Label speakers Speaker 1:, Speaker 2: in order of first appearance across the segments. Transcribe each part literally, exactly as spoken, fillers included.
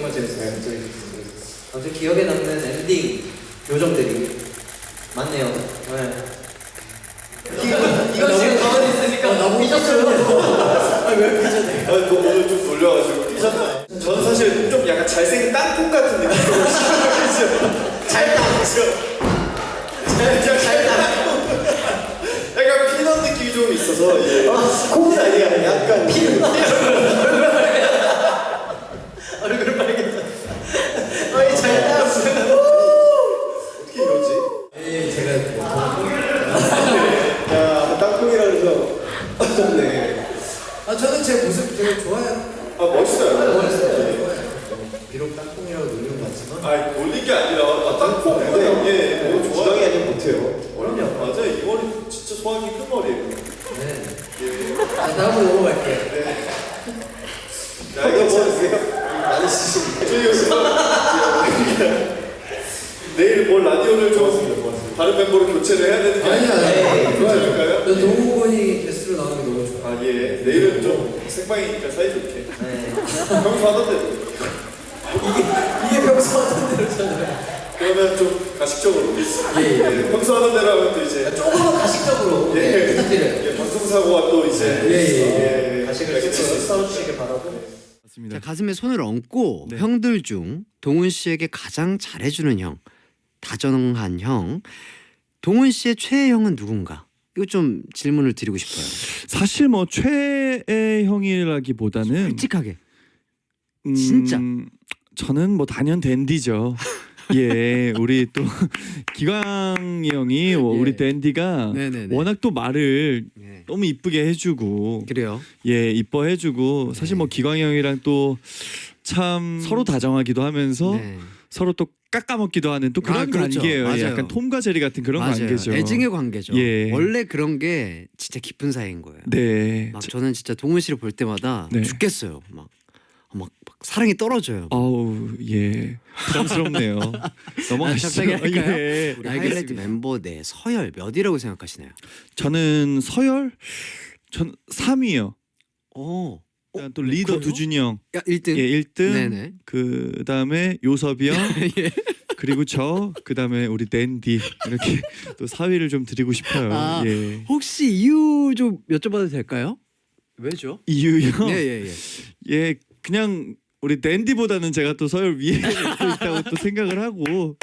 Speaker 1: 정말 재밌었어요.
Speaker 2: 네, 저희
Speaker 1: 아무튼 기억에 남는 엔딩 요정들이 많네요. 네. 이거 이거 지금 가만히 있으니까 나보고 삐졌어요. 아왜 삐졌네?
Speaker 2: 아, 너 오늘 좀 놀려가지고 삐졌나요? 저는 사실 좀 약간 잘생긴 땅콩 같은 느낌으로 시작했어요. 잘 땅콩이죠. 잘 땅콩. 약간 피넛 느낌이 좀 있어서 예. 아, 콩은 아니야. 약간 피넛.
Speaker 1: 얼굴 빨개졌어. 어이 잘 따랐어요.
Speaker 2: 어떻게 이러지?
Speaker 1: 예, 제가
Speaker 2: 야, 땅콩이라 그래서 네.
Speaker 1: 아 저는 제 모습 되게 좋아요.
Speaker 2: 아, 멋있어요.
Speaker 1: 아, 멋있어요. 좋아요. 비록 땅콩이라고 놀린 것 같지만.
Speaker 2: 아, 놀린 게 아니라 아, 땅콩. 네, 예, 너무 좋아. 주당이 아니면 못해요.
Speaker 1: 그럼요.
Speaker 2: 맞아요. 이 머리 진짜 소화기 큰 머리예요.
Speaker 1: 네.
Speaker 2: 예.
Speaker 1: 자 다음으로 넘어갈게요.
Speaker 2: 네. 야, 이거 뭐 드세요? 많이 쓰시는 저희 요즘 내일 뭘 라디오를 좀 다른 멤버로 교체를 해야 되는 게
Speaker 1: 아니야, 아니야.
Speaker 2: 좋아요.
Speaker 1: 저 동욱군이 게스트로 나오는 게 너무 좋아.
Speaker 2: 아, 예. 내일은 좀 생방이니까 사이좋게.
Speaker 1: 네.
Speaker 2: 평소 하던 대로.
Speaker 1: 이게 평소 하던 대로잖아요.
Speaker 2: 그러면 좀 가식적으로.
Speaker 1: 예, 예.
Speaker 2: 네, 평소 하던 대로 하면 또 이제.
Speaker 1: 조금 더 가식적으로.
Speaker 2: 예.
Speaker 1: 네, 부탁드려요.
Speaker 2: 예, 방송사고가 또 이제.
Speaker 1: 예, 예, 예.
Speaker 2: 예.
Speaker 1: 가식을 좀 써주시길 바라고.
Speaker 3: 자, 가슴에 손을 얹고
Speaker 4: 네.
Speaker 3: 형들 중 동훈 씨에게 가장 잘해주는 형, 다정한 형, 동훈 씨의 최애 형은 누군가? 이거 좀 질문을 드리고 싶어요.
Speaker 4: 사실 뭐 최애 형이라기보다는
Speaker 3: 솔직하게.
Speaker 4: 음,
Speaker 3: 진짜.
Speaker 4: 저는 뭐 단연 댄디죠. 예, 우리 또 기광이 형이 뭐
Speaker 3: 예.
Speaker 4: 우리 댄디가
Speaker 3: 네네네.
Speaker 4: 워낙 또 말을
Speaker 3: 네.
Speaker 4: 너무 이쁘게 해주고
Speaker 3: 그래요.
Speaker 4: 예 이뻐해주고 사실
Speaker 3: 네.
Speaker 4: 뭐 기광이 형이랑 또 참 서로 다정하기도 하면서
Speaker 3: 네.
Speaker 4: 서로 또 깎아먹기도 하는 또 그런
Speaker 3: 아, 그렇죠.
Speaker 4: 관계예요.
Speaker 3: 맞아요.
Speaker 4: 약간 톰과 제리 같은 그런
Speaker 3: 맞아요.
Speaker 4: 관계죠.
Speaker 3: 애증의 관계죠.
Speaker 4: 예.
Speaker 3: 원래 그런 게 진짜 깊은 사이인 거예요.
Speaker 4: 네.
Speaker 3: 막
Speaker 4: 저-
Speaker 3: 저는 진짜 동훈 씨를 볼 때마다
Speaker 4: 네.
Speaker 3: 죽겠어요. 막, 막, 막 사랑이 떨어져요.
Speaker 4: 아우 예 부담스럽네요. 넘어가시죠.
Speaker 3: 갑자기 할까요?
Speaker 4: 예.
Speaker 3: 우리 하이라이트 멤버 내 서열 몇이라고 생각하시나요?
Speaker 4: 저는 서열 전 삼 위요.
Speaker 3: 어,
Speaker 4: 일단 또 리더
Speaker 3: 그래요?
Speaker 4: 두준이 형.
Speaker 3: 야 일 등.
Speaker 4: 예, 일 등.
Speaker 3: 네네.
Speaker 4: 그 다음에 요섭이 형.
Speaker 3: 예.
Speaker 4: 그리고 저. 그 다음에 우리 댄디. 이렇게 또 사 위를 좀 드리고 싶어요.
Speaker 3: 아,
Speaker 4: 예.
Speaker 3: 혹시 이유 좀 여쭤봐도 될까요? 왜죠?
Speaker 4: 이유요.
Speaker 3: 예예예. 예, 예.
Speaker 4: 예, 그냥 우리 댄디보다는 제가 또 서열 위에 또 있다고 또 생각을 하고.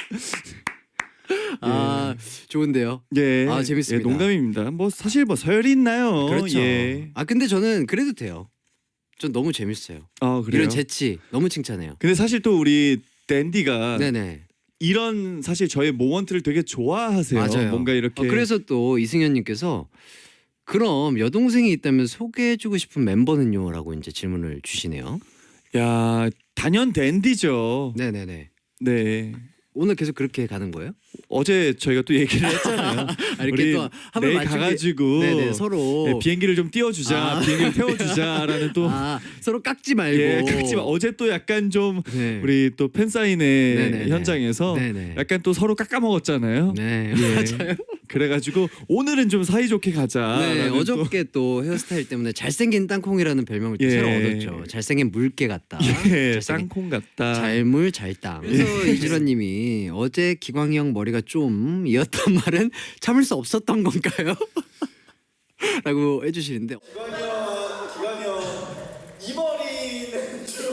Speaker 3: 아 좋은데요.
Speaker 4: 예.
Speaker 3: 아, 재밌습니다.
Speaker 4: 예, 농담입니다. 뭐 사실 뭐 서열이 있나요?
Speaker 3: 그렇죠.
Speaker 4: 예.
Speaker 3: 아 근데 저는 그래도 돼요. 전 너무 재밌어요.
Speaker 4: 아 그래요.
Speaker 3: 이런 재치 너무 칭찬해요.
Speaker 4: 근데 사실 또 우리 댄디가
Speaker 3: 네네.
Speaker 4: 이런 사실 저의 모먼트를 되게 좋아하세요.
Speaker 3: 맞아요.
Speaker 4: 뭔가 이렇게
Speaker 3: 어, 그래서 또 이승현님께서 그럼 여동생이 있다면 소개해주고 싶은 멤버는요?라고 이제 질문을 주시네요.
Speaker 4: 야 단연 댄디죠.
Speaker 3: 네네네.
Speaker 4: 네.
Speaker 3: 오늘 계속 그렇게 가는 거예요?
Speaker 4: 어제 저희가 또 얘기를 했잖아요.
Speaker 3: 아, 이렇게
Speaker 4: 우리
Speaker 3: 또 한번
Speaker 4: 내일 가가지고
Speaker 3: 네네 서로
Speaker 4: 네, 비행기를 좀 띄워주자,
Speaker 3: 아.
Speaker 4: 비행기를 태워주자라는 또
Speaker 3: 아 서로 깎지 말고.
Speaker 4: 예, 그렇지만 어제 또 약간 좀
Speaker 3: 네.
Speaker 4: 우리 또 팬사인회
Speaker 3: 네네네.
Speaker 4: 현장에서
Speaker 3: 네네.
Speaker 4: 약간 또 서로 깎아먹었잖아요.
Speaker 3: 네
Speaker 4: 예.
Speaker 3: 맞아요.
Speaker 4: 그래가지고 오늘은 좀 사이좋게 가자.
Speaker 3: 네 어저께 또 헤어스타일 때문에 잘생긴 땅콩이라는 별명을 또
Speaker 4: 예.
Speaker 3: 새로 얻었죠. 잘생긴 물개 같다.
Speaker 4: 예,
Speaker 3: 잘생긴
Speaker 4: 땅콩 같다.
Speaker 3: 잘물 잘땅. 그래서 이주라님이 어제 기광이 형 머리가 좀 이었단 말은 참을 수 없었던 건가요? 라고 해주시는데
Speaker 2: 기광이 형, 기광이 형, 이 머리는 좀.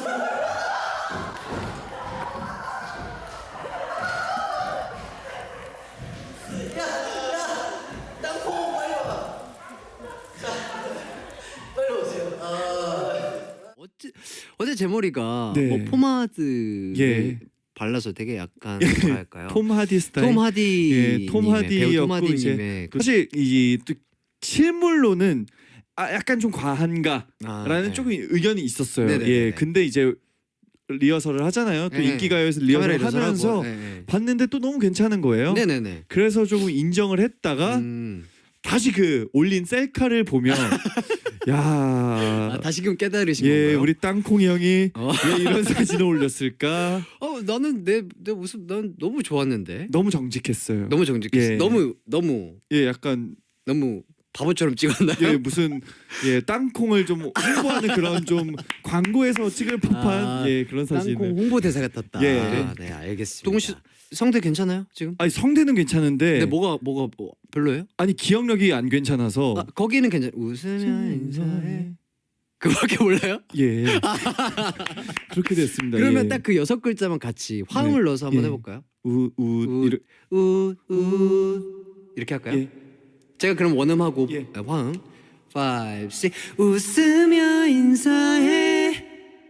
Speaker 1: 땅콩 빨리 와. 자, 빨리 오세요. 아,
Speaker 3: 어째, 어제 제 머리가
Speaker 4: 네.
Speaker 3: 뭐 포마드
Speaker 4: 예.
Speaker 3: 발라서 되게 약간 뭐라 할까요?
Speaker 4: 톰 하디 스타일.
Speaker 3: 톰 하디
Speaker 4: 예, 톰 하디였고
Speaker 3: 하디님의
Speaker 4: 이제
Speaker 3: 그,
Speaker 4: 사실 이또 실물로는 아 약간 좀 과한가라는
Speaker 3: 아, 네.
Speaker 4: 조금 의견이 있었어요.
Speaker 3: 네네네네.
Speaker 4: 예, 근데 이제 리허설을 하잖아요. 또
Speaker 3: 네.
Speaker 4: 인기가요에서
Speaker 3: 카메라
Speaker 4: 리허설을 하면서
Speaker 3: 리허설하고, 네, 네.
Speaker 4: 봤는데 또 너무 괜찮은 거예요.
Speaker 3: 네네네.
Speaker 4: 그래서 조금 인정을 했다가
Speaker 3: 음.
Speaker 4: 다시 그 올린 셀카를 보면 야,
Speaker 3: 아, 다시금 깨달으신
Speaker 4: 예,
Speaker 3: 건가요?
Speaker 4: 우리 땅콩이 형이
Speaker 3: 어.
Speaker 4: 왜 이런 사진을 올렸을까?
Speaker 3: 어 나는 내 내 모습 난 너무 좋았는데
Speaker 4: 너무 정직했어요.
Speaker 3: 너무 정직했어.
Speaker 4: 예.
Speaker 3: 너무 너무
Speaker 4: 예, 약간
Speaker 3: 너무 바보처럼 찍었나요?
Speaker 4: 예, 무슨 예 땅콩을 좀 홍보하는 그런 좀 광고에서 찍을 법한
Speaker 3: 아,
Speaker 4: 예 그런
Speaker 3: 땅콩
Speaker 4: 사진을.
Speaker 3: 홍보 대사 같았다.
Speaker 4: 예.
Speaker 3: 네, 알겠습니다. 동훈 씨 성대 괜찮아요 지금?
Speaker 4: 아니 성대는 괜찮은데
Speaker 3: 근데 뭐가 뭐가 뭐, 별로예요?
Speaker 4: 아니 기억력이 안 괜찮아서
Speaker 3: 아, 거기는 괜찮. 웃으면 인사해. 그거밖에 몰라요?
Speaker 4: 예 그렇게 됐습니다.
Speaker 3: 그러면
Speaker 4: 예.
Speaker 3: 딱 그 여섯 글자만 같이 화음을
Speaker 4: 네.
Speaker 3: 넣어서 한번
Speaker 4: 예.
Speaker 3: 해볼까요?
Speaker 4: 우우
Speaker 3: 우,
Speaker 4: 이르
Speaker 3: 우, 우 이렇게 할까요?
Speaker 4: 예.
Speaker 3: 제가 그럼 원음하고
Speaker 4: 예.
Speaker 3: 아, 화음 five, six 웃으며 인사해.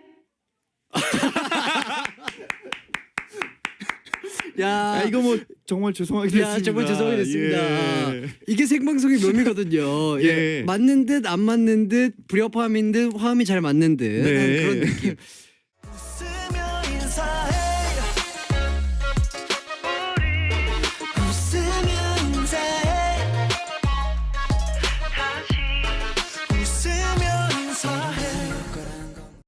Speaker 3: 야,
Speaker 4: 아 이거 뭐 정말 죄송하게 됐습니다.
Speaker 3: 야 정말 죄송하게 됐습니다.
Speaker 4: 예.
Speaker 3: 이게 생방송의 묘미거든요. 예.
Speaker 4: 예.
Speaker 3: 맞는 듯 안 맞는 듯 불협화음인 듯 화음이 잘 맞는 듯
Speaker 4: 네.
Speaker 3: 그런 느낌.
Speaker 5: 웃으며 인사해